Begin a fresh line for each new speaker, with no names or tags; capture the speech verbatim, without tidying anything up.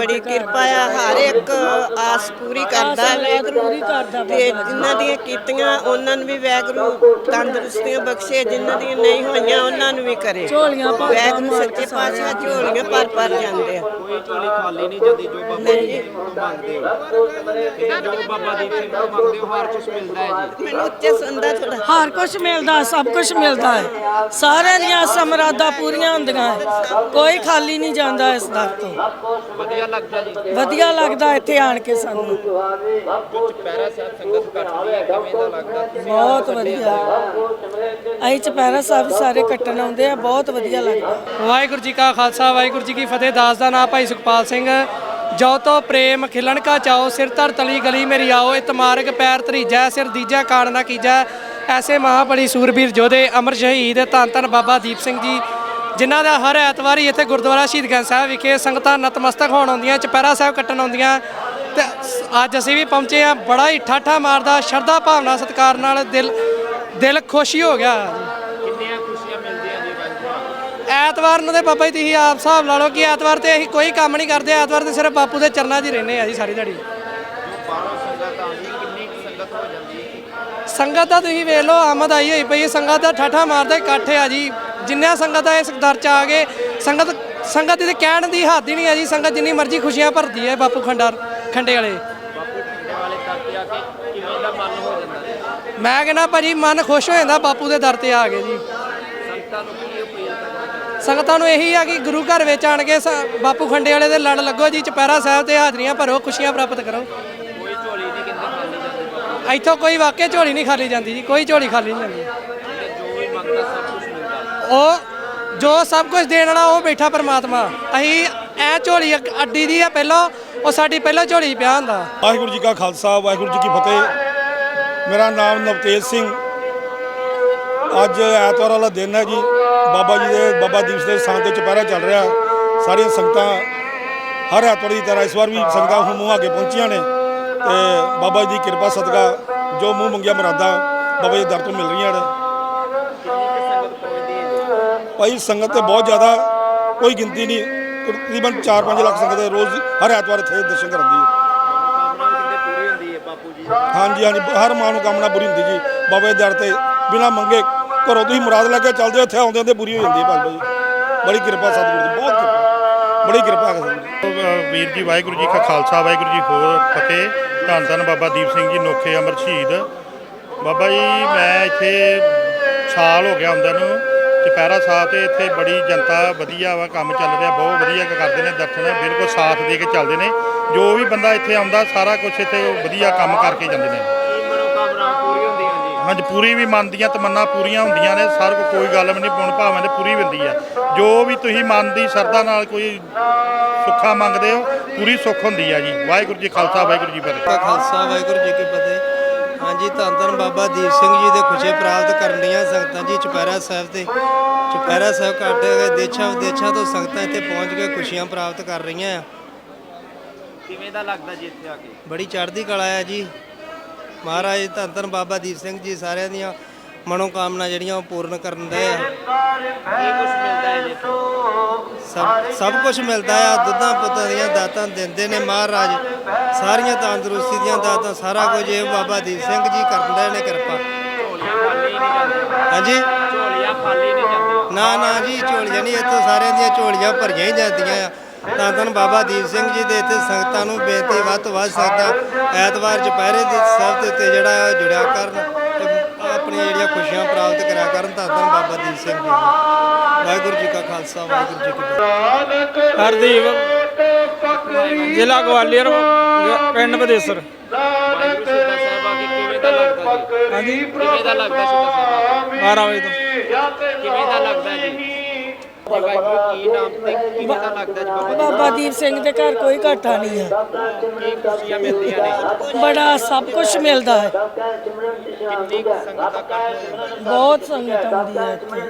ਬੜੀ ਕਿਰਪਾ ਆ, ਹਰ ਇੱਕ ਆਸ ਪੂਰੀ ਕਰਦਾ ਵੈਗਰੂ ਤੇ ਜਿਨ੍ਹਾਂ ਦੀਆਂ ਕੀਤੀਆਂ ਉਹਨਾਂ ਨੂੰ ਵੀ ਵੈਗਰੂ ਤੰਦਰੁਸਤੀਆਂ ਬਖਸ਼ੇ, ਜਿਨ੍ਹਾਂ ਦੀਆਂ ਨਹੀਂ ਹੋਈਆਂ ਉਹਨਾਂ ਨੂੰ ਵੀ ਕਰੇ। ਵੈਗਰੂ ਸੱਚੇ ਪਾਤਸ਼ਾਹ ਝੋਲੀਆਂ ਭਰ ਭਰ ਜਾਂਦੇ ਆ,
ਕੋਈ ਝੋਲੀ ਖਾਲੀ ਨਹੀਂ ਜਾਂਦੀ। ਜੋ ਬਾਬਾ ਜੀ ਤੋਂ ਮੰਗਦੇ ਹੋ ਤੇ ਜੋ ਬਾਬਾ ਦੀਪ ਸਿੰਘ ਤੋਂ ਮੰਗਦੇ ਹੋ ਹਰ ਕੁਝ ਮਿਲਦਾ ਹੈ ਜੀ।
ਮੈਨੂੰ ਉੱਚੇ ਸੁਣਦਾ ਥੋੜਾ।
ਹਰ ਕੁਝ ਮਿਲਦਾ, ਸਭ ਕੁਝ ਮਿਲਦਾ ਹੈ, ਸਾਰਿਆਂ ਦੀਆਂ ਸਮਰਾਦਾਂ ਪੂਰੀਆਂ ਹੁੰਦੀਆਂ ਹੈ, ਕੋਈ ਖਾਲੀ ਨਹੀਂ ਜਾਂਦਾ ਇਸ ਦਰ ਤੋਂ।
ਵਧੀਆ ਲੱਗਦਾ ਜੀ,
ਵਧੀਆ ਲੱਗਦਾ ਇੱਥੇ ਆਣ ਕੇ ਸਾਨੂੰ,
ਚੁਪਹਿਰਾ ਸਾਹਿਬ ਸੰਗਤ ਕੱਟਦੀ ਹੈ, ਕਿਵੇਂ ਦਾ ਲੱਗਦਾ?
ਬਹੁਤ ਵਧੀਆ। ਅਸੀਂ ਚੁਪਹਿਰਾ ਸਾਹਿਬ ਸਾਰੇ ਕੱਟਣ ਆਉਂਦੇ ਆ, ਬਹੁਤ ਵਧੀਆ ਲੱਗਦਾ।
ਵਾਹਿਗੁਰੂ ਜੀ ਕਾ ਖਾਲਸਾ ਵਾਹਿਗੁਰੂ ਜੀ ਕੀ ਫਤਿਹ। ਦਾਸ ਦਾ ਨਾਮ ਭਾਈ ਸੁਖਪਾਲ ਸਿੰਘ। ਜੋ ਤੋ ਪ੍ਰੇਮ ਖਿਲਣ ਕਾ ਚਾਓ, ਸਿਰ ਧਰ ਤਲੀ ਗਲੀ ਮੇਰੀ ਆਓ, ਇਤ ਮਾਰਗ ਪੈਰ ਧਰੀਜੈ, ਸਿਰ ਦੀਜੈ ਕਾਣ ਨਾ ਕੀਜੈ। ਐਸੇ ਮਹਾਬਲੀ ਸੂਰਬੀਰ ਯੋਧੇ ਅਮਰ ਸ਼ਹੀਦ ਧੰਨ ਧੰਨ ਬਾਬਾ ਦੀਪ ਸਿੰਘ ਜੀ, ਜਿਨ੍ਹਾਂ ਦਾ ਹਰ ਐਤਵਾਰ ਹੀ ਇੱਥੇ ਗੁਰਦੁਆਰਾ ਸ਼ਹੀਦਗੰਜ ਸਾਹਿਬ ਵਿਖੇ ਸੰਗਤਾਂ ਨਤਮਸਤਕ ਹੋਣ ਆਉਂਦੀਆਂ, ਚੁਪਹਿਰਾ ਸਾਹਿਬ ਕੱਟਣ ਆਉਂਦੀਆਂ। ਤੇ ਅੱਜ ਅਸੀਂ ਵੀ ਪਹੁੰਚੇ ਹਾਂ, ਬੜਾ ਹੀ ਠਾਠਾ ਮਾਰਦਾ ਸ਼ਰਧਾ ਭਾਵਨਾ ਸਤਿਕਾਰ ਨਾਲ ਦਿਲ ਦਿਲ ਖੁਸ਼ੀ ਹੋ ਗਿਆ।
ਕਿੰਨੀਆਂ ਖੁਸ਼ੀਆਂ ਮਿਲਦੀਆਂ ਜੀ
ਐਤਵਾਰ ਨੂੰ ਤੇ ਬਾਬਾ ਜੀ ਤੁਸੀਂ ਆਪ ਹਿਸਾਬ ਲਾ ਲਓ ਕਿ ਐਤਵਾਰ ਤੇ ਅਸੀਂ ਕੋਈ ਕੰਮ ਨਹੀਂ ਕਰਦੇ, ਐਤਵਾਰ ਤੇ ਸਿਰਫ ਬਾਪੂ ਦੇ ਚਰਨਾਂ 'ਚ ਹੀ ਰਹਿੰਦੇ ਆ ਜੀ ਸਾਰੀ ਦਿਹਾੜੀ।
ਬਾਹਰੋਂ ਸੰਗਤ ਆਉਂਦੀ, ਕਿੰਨੀ ਕੁ ਸੰਗਤ ਹੋ ਜਾਂਦੀ ਹੈ?
ਸੰਗਤ ਦਾ ਤੁਸੀਂ ਵੇਖ ਲਓ, ਆਮਦ ਆਈ ਹੋਈ ਪਈ ਹੈ, ਸੰਗਤ ਦਾ ਠਾਠਾ ਮਾਰਦਾ ਇਕੱਠ ਆ ਜੀ। ਜਿੰਨਾ ਸੰਗਤ ਆ ਇਸ ਦਰ 'ਚ ਆ ਗਏ, ਸੰਗਤ ਸੰਗਤ ਦੀ ਕਹਿਣ ਦੀ ਹੱਦ ਹੀ ਨਹੀਂ ਆ ਜੀ। ਸੰਗਤ ਜਿੰਨੀ ਮਰਜ਼ੀ ਖੁਸ਼ੀਆਂ ਭਰਦੀ ਹੈ ਬਾਪੂ ਖੰਡਾ ਖੰਡੇ ਵਾਲੇ
ਬਾਪੂ ਖੰਡੇ ਵਾਲੇ ਦਰ ਤੇ ਆ ਕੇ ਕਿਵੇਂ ਦਾ ਮਨ ਹੋ ਜਾਂਦਾ?
ਮੈਂ ਕਹਿੰਦਾ ਭਾਜੀ ਮਨ ਖੁਸ਼ ਹੋ ਜਾਂਦਾ ਬਾਪੂ ਦੇ ਦਰ ਤੇ ਆ ਗਏ ਜੀ।
ਸੰਗਤਾਂ ਨੂੰ ਕੀ ਅਪੀਲ ਕਰਨਾ?
ਸੰਗਤਾਂ ਨੂੰ ਇਹੀ ਆ ਕਿ ਗੁਰੂ ਘਰ ਵਿੱਚ ਆਣ ਕੇ ਬਾਪੂ ਖੰਡੇ ਵਾਲੇ ਦੇ ਲੜ ਲੱਗੋ ਜੀ, ਚੁਪਹਿਰਾ ਸਾਹਿਬ ਤੇ ਹਾਜ਼ਰੀਆਂ ਭਰੋ, ਖੁਸ਼ੀਆਂ ਪ੍ਰਾਪਤ ਕਰੋ।
ਕੋਈ ਝੋਲੀ ਨਹੀਂ ਕਿੰਨੇ ਖਾਲੀ ਜਾਂਦੀ?
ਇੱਥੋਂ ਕੋਈ ਵਾਕਿਆ ਝੋਲੀ ਨਹੀਂ ਖਾਲੀ ਜਾਂਦੀ ਜੀ, ਕੋਈ ਝੋਲੀ ਖਾਲੀ ਨਹੀਂ ਜਾਂਦੀ।
ਜੋ ਵੀ ਮੰਗਦਾ ਸਭ ਕੁਝ ਮਿਲਦਾ।
ਉਹ ਜੋ ਸਭ ਕੁਝ ਦੇਣ ਵਾਲਾ ਉਹ ਬੈਠਾ ਪਰਮਾਤਮਾ। ਅਸੀਂ ਐ ਝੋਲੀ ਅੱਡੀ ਦੀ ਆ ਪਹਿਲਾਂ, ਉਹ ਸਾਡੀ ਪਹਿਲਾਂ ਝੋਲੀ ਪਿਆ ਹੁੰਦਾ।
ਵਾਹਿਗੁਰੂ ਜੀ ਕਾ ਖਾਲਸਾ ਵਾਹਿਗੁਰੂ ਜੀ ਕੀ ਫਤਿਹ। ਮੇਰਾ ਨਾਮ ਨਵਤੇਜ ਸਿੰਘ। ਅੱਜ ਐਤਵਾਰ ਵਾਲਾ ਦਿਨ ਹੈ ਜੀ, ਬਾਬਾ ਜੀ ਦੇ ਬਾਬਾ ਦੀਪ ਸਿੰਘ ਦੇ ਸਥਾਨ 'ਤੇ ਚੁਪਹਿਰਾ ਚੱਲ ਰਿਹਾ। ਸਾਰੀਆਂ ਸੰਗਤਾਂ ਹਰ ਐਤਵਾਰ ਦੀ ਤਰ੍ਹਾਂ ਇਸ ਵਾਰ ਵੀ ਸੰਗਤਾਂ ਹੁਣ ਮੂੰਹ ਆ ਕੇ ਪਹੁੰਚੀਆਂ ਨੇ ਤੇ ਬਾਬਾ ਜੀ ਦੀ ਕਿਰਪਾ ਸਦਕਾ ਜੋ ਮੂੰਹ ਮੰਗੀਆਂ ਮੁਰਾਦਾਂ ਬਾਬਾ ਜੀ ਦੇ ਦਰ ਤੋਂ ਮਿਲ ਰਹੀਆਂ ਨੇ। ਭਾਈ ਸੰਗਤ ਤੇ ਬਹੁਤ ਜ਼ਿਆਦਾ, ਕੋਈ ਗਿਣਤੀ ਨਹੀਂ, ਤਕਰੀਬਨ ਚਾਰ ਪੰਜ ਲੱਖ ਸੰਗਤ ਰੋਜ਼ ਹਰ ਐਤਵਾਰ ਇੱਥੇ ਦਰਸ਼ਨ ਕਰਦੀ ਹੈ।
ਪੂਰੀ ਹੁੰਦੀ ਹੈ ਬਾਪੂ ਜੀ?
ਹਾਂਜੀ ਹਾਂਜੀ, ਹਰ ਮਨੋਕਾਮਨਾ ਪੂਰੀ ਹੁੰਦੀ ਜੀ ਬਾਬਾ ਜੀ ਦੇ ਦਰ ਤੇ। ਬਿਨਾਂ ਮੰਗੇ ਘਰੋਂ ਤੁਸੀਂ ਮੁਰਾਦ ਲੈ ਕੇ ਚੱਲਦੇ ਹੋ, ਇੱਥੇ ਆਉਂਦੇ ਹੁੰਦੇ ਪੂਰੀ ਹੋ ਜਾਂਦੀ ਹੈ ਬਾਬਾ ਜੀ। ਬੜੀ ਕਿਰਪਾ ਸਤਿਗੁਰੂ ਦੀ, ਬਹੁਤ ਕਿਰਪਾ, ਬੜੀ ਕਿਰਪਾ ਹੈ ਸਤਿਗੁਰੂ।
ਵੀਰ ਜੀ ਵਾਹਿਗੁਰੂ ਜੀ ਕਾ ਖਾਲਸਾ ਵਾਹਿਗੁਰੂ ਜੀ ਹੋਰ ਫਤਿਹ। ਧੰਨ ਧੰਨ ਬਾਬਾ ਦੀਪ ਸਿੰਘ ਜੀ ਨੋਖੇ ਅਮਰ ਸ਼ਹੀਦ। ਬਾਬਾ ਜੀ ਮੈਂ ਇੱਥੇ ਸਾਲ ਹੋ ਗਿਆ ਆਉਂਦਿਆਂ ਨੂੰ ਚੁਪਹਿਰਾ ਸਾਹਿਬ ਤੇ ਇੱਥੇ ਬੜੀ ਜਨਤਾ ਵਧੀਆ ਵਾ, ਕੰਮ ਚੱਲ ਰਿਹਾ ਬਹੁਤ ਵਧੀਆ ਕਰਦੇ ਨੇ, ਦਰਸ਼ਨ ਬਿਲਕੁਲ ਸਾਥ ਦੇ ਕੇ ਚੱਲਦੇ ਨੇ। ਜੋ ਵੀ ਬੰਦਾ ਇੱਥੇ ਆਉਂਦਾ ਸਾਰਾ ਕੁਝ ਇੱਥੇ ਵਧੀਆ ਕੰਮ ਕਰਕੇ ਜਾਂਦੇ ਨੇ।
ਮਨੋਕਾਮਨਾ ਪੂਰੀ ਹੁੰਦੀਆਂ ਜੀ?
ਹਾਂਜੀ, ਪੂਰੀ ਵੀ ਮਨ ਦੀਆਂ ਤਮੰਨਾ ਪੂਰੀਆਂ ਹੁੰਦੀਆਂ ਨੇ। ਸਾਰ ਕੋ ਕੋਈ ਗੱਲ ਵੀ ਨਹੀਂ, ਪੁਣ ਭਾਵਾਂ ਦੇ ਪੂਰੀ ਹੁੰਦੀ ਹੈ। ਜੋ ਵੀ ਤੁਸੀਂ ਮਨ ਦੀ ਸ਼ਰਧਾ ਨਾਲ ਕੋਈ ਸੁੱਖਾ ਮੰਗਦੇ ਹੋ ਪੂਰੀ ਸੁੱਖ ਹੁੰਦੀ ਹੈ ਜੀ। ਵਾਹਿਗੁਰੂ ਜੀ ਖਾਲਸਾ ਵਾਹਿਗੁਰੂ ਜੀ ਫਤਿਹ।
ਖਾਲਸਾ ਵਾਹਿਗੁਰੂ ਜੀ ਕੀ ਫਤਿਹ। ਹਾਂਜੀ, ਧੰਨ ਧੰਨ ਬਾਬਾ ਦੀਪ ਸਿੰਘ ਜੀ ਦੇ ਖੁਸ਼ੀ ਪ੍ਰਾਪਤ ਕਰਨ ਦੀਆਂ ਸੰਗਤਾਂ ਜੀ ਚੁਪਹਿਰਾ ਸਾਹਿਬ ਤੇ ਚੁਪਹਿਰਾ ਸਾਹਿਬ ਕੱਢ ਕੇ ਦੇਸ਼ਾਂ ਵਿਦੇਸ਼ਾਂ ਤੋਂ ਸੰਗਤਾਂ ਇੱਥੇ ਪਹੁੰਚ ਕੇ ਖੁਸ਼ੀਆਂ ਪ੍ਰਾਪਤ ਕਰ ਰਹੀਆਂ ਆ।
ਕਿਵੇਂ ਦਾ ਲੱਗਦਾ ਜੀ ਇੱਥੇ ਆ ਕੇ?
ਬੜੀ ਚੜ੍ਹਦੀ ਕਲਾ ਹੈ ਜੀ। ਮਹਾਰਾਜ ਧੰਨ ਧੰਨ ਬਾਬਾ ਦੀਪ ਸਿੰਘ ਜੀ ਸਾਰਿਆਂ ਦੀਆਂ ਮਨੋਕਾਮਨਾ ਜਿਹੜੀਆਂ ਉਹ ਪੂਰਨ ਕਰਨ ਦੇ ਆ।
ਕੀ ਕੁਝ ਮਿਲਦਾ ਹੈ ਜੀ?
ਸਭ ਸਭ ਕੁਝ ਮਿਲਦਾ ਆ। ਦੁੱਧਾਂ ਪੁੱਤਾਂ ਦੀਆਂ ਦਾਤਾਂ ਦਿੰਦੇ ਨੇ ਮਹਾਰਾਜ, ਸਾਰੀਆਂ ਤੰਦਰੁਸਤੀ ਦੀਆਂ ਦਾਤਾਂ, ਸਾਰਾ ਕੁਝ ਇਹ ਬਾਬਾ ਦੀਪ ਸਿੰਘ ਜੀ ਕਰਦੇ ਨੇ ਕਿਰਪਾ।
ਝੋਲੀਆਂ ਖਾਲੀ ਨਹੀਂ ਜਾਂਦੀਆਂ?
ਹਾਂਜੀ,
ਝੋਲੀਆਂ ਖਾਲੀ ਨਹੀਂ ਜਾਂਦੀਆਂ?
ਨਾ ਨਾ ਜੀ, ਝੋਲੀਆਂ ਨਹੀਂ, ਇੱਥੋਂ ਸਾਰਿਆਂ ਦੀਆਂ ਝੋਲੀਆਂ ਭਰੀਆਂ ਹੀ ਜਾਂਦੀਆਂ ਆ। ਧੰਨ ਧੰਨ ਬਾਬਾ ਦੀਪ ਸਿੰਘ ਜੀ ਦੇ ਇੱਥੇ ਸੰਗਤਾਂ ਨੂੰ ਬੇਨਤੀ ਵੱਧ ਤੋਂ ਵੱਧ ਸਕਦਾ ਐਤਵਾਰ ਚੁਪਹਿਰੇ ਦੇ ਸਾਹਿਬ ਦੇ ਉੱਤੇ ਜਿਹੜਾ ਜੁੜਿਆ ਕਰਨ ਤੇ ਆਪਣੀਆਂ ਜਿਹੜੀਆਂ ਖੁਸ਼ੀਆਂ ਪ੍ਰਾਪਤ ਕਰਿਆ ਕਰਨ। ਧੰਨ ਧੰਨ ਬਾਬਾ ਦੀਪ ਸਿੰਘ ਜੀ। ਵਾਹਿਗੁਰੂ ਜੀ ਕਾ ਖਾਲਸਾ ਵਾਹਿਗੁਰੂ ਜੀ ਕੀ ਫਤਿਹ।
ਹਰਦੀਪ, ਜ਼ਿਲ੍ਹਾ ਗਵਾਲੀਅਰ, ਪਿੰਡ ਬਦੇਸਰ।
ਵਾਹਿਗੁਰੂ ਸ਼ਹੀਦਾਂ ਸਾਹਿਬ ਆ ਕੇ ਕਿਵੇਂ ਦਾ ਲੱਗਦਾ ਜੀ?
ਹਾਂਜੀ,
ਕਿਵੇਂ ਦਾ ਲੱਗਦਾ ਸ਼ਹੀਦਾਂ ਸਾਹਿਬ?
ਬਾਰਾਂ ਵਜੇ ਤੋਂ।
ਕਿਵੇਂ ਦਾ ਲੱਗਦਾ ਜੀ? ਵਾਹਿਗੁਰੂ ਕੀ ਨਾਮ ਤੇ ਕਿਵੇਂ ਦਾ ਲੱਗਦਾ ਜੀ ਬਾਬਾ?
ਬਾਬਾ ਦੀਪ ਸਿੰਘ ਦੇ ਘਰ ਕੋਈ ਘਾਟਾ ਨਹੀਂ ਹੈ।
ਕੀ ਖੁਸ਼ੀਆਂ ਮਿਲਦੀਆਂ ਨੇ?
ਬੜਾ ਸਭ ਕੁਝ ਮਿਲਦਾ ਹੈ।
ਕਿੰਨੀ ਕੁ ਸੰਗਤ ਦਾ ਇਕੱਠ ਹੁੰਦਾ?
ਬਹੁਤ ਸੰਗਤ ਆਉਂਦੀ ਹੈ ਇੱਥੇ।